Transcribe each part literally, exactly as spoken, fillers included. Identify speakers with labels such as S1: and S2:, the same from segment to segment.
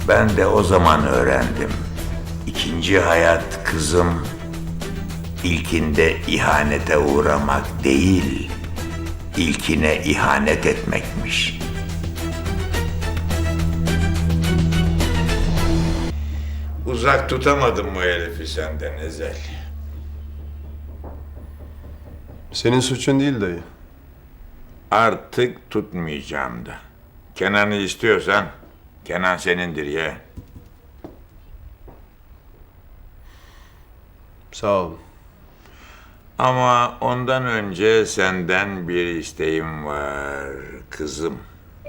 S1: Ben de o zaman öğrendim. İkinci hayat kızım, ilkinde ihanete uğramak değil, ilkine ihanet etmekmiş. Uzak tutamadım bu herifi senden Ezel.
S2: Senin suçun değil dayı.
S1: Artık tutmayacağım da. Kenan'ı istiyorsan, Kenan senindir ya.
S2: Sağ olun.
S1: Ama ondan önce senden bir isteğim var kızım.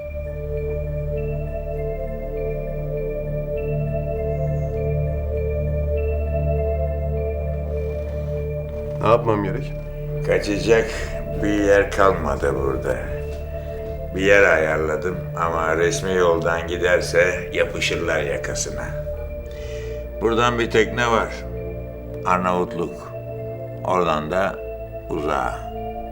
S2: Ne yapmam gerek?
S1: Kaçacak bir yer kalmadı burada. Bir yer ayarladım ama resmi yoldan giderse yapışırlar yakasına. Buradan bir tekne var. Arnavutluk. Oradan da uzağa.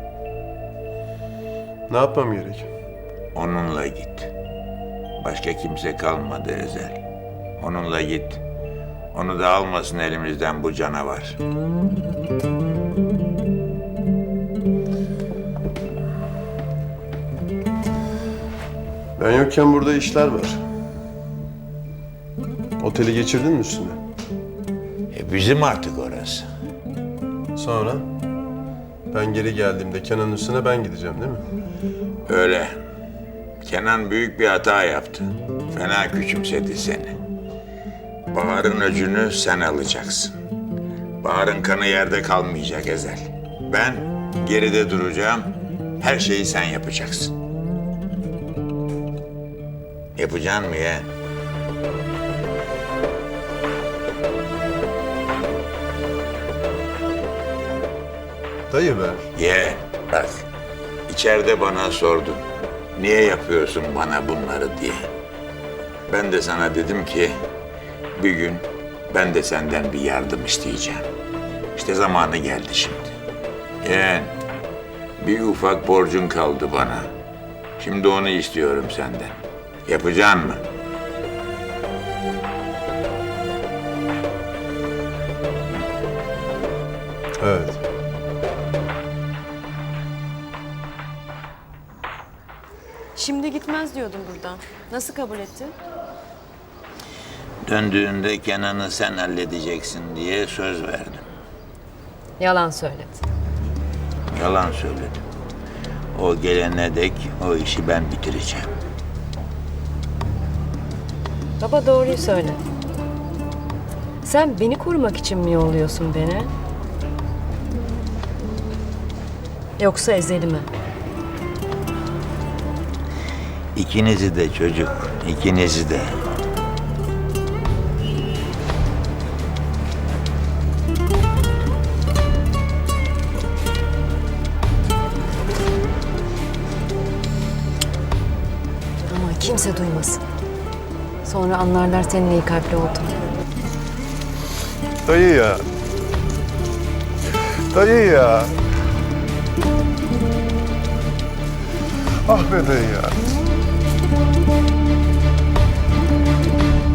S2: Ne yapmam gerek?
S1: Onunla git. Başka kimse kalmadı Ezel. Onunla git. Onu da almasın elimizden bu canavar.
S2: Ben yokken burada işler var. Oteli geçirdin mi üstüne?
S1: E bizim artık orası.
S2: Sonra? Ben geri geldiğimde Kenan'ın üstüne ben gideceğim değil mi?
S1: Öyle. Kenan büyük bir hata yaptı. Fena küçümsedi seni. Bahar'ın öcünü sen alacaksın. Bahar'ın kanı yerde kalmayacak Ezel. Ben geride duracağım. Her şeyi sen yapacaksın. Yapacaksın mı ya?
S2: Dayı be.
S1: Ye, bak. İçeride bana sordun. Niye yapıyorsun bana bunları diye. Ben de sana dedim ki bir gün ben de senden bir yardım isteyeceğim. İşte zamanı geldi şimdi. Yeğen, bir ufak borcun kaldı bana. Şimdi onu istiyorum senden. Yapacaksın mı?
S2: Evet.
S3: Şimdi gitmez diyordun buradan. Nasıl kabul ettin?
S1: Döndüğünde Kenan'ı sen halledeceksin diye söz verdim.
S3: Yalan söyledin.
S1: Yalan söyledim. O gelene dek o işi ben bitireceğim.
S3: Baba doğruyu söyle. Sen beni korumak için mi yolluyorsun beni? Yoksa Ezel'i mi?
S1: İkinizi de çocuk, ikinizi de.
S3: Ama kimse duymasın. Sonra anlarlar senin iyi kalpli olduğunu.
S2: Dayı ya. Dayı ya. Ah be dayı ya.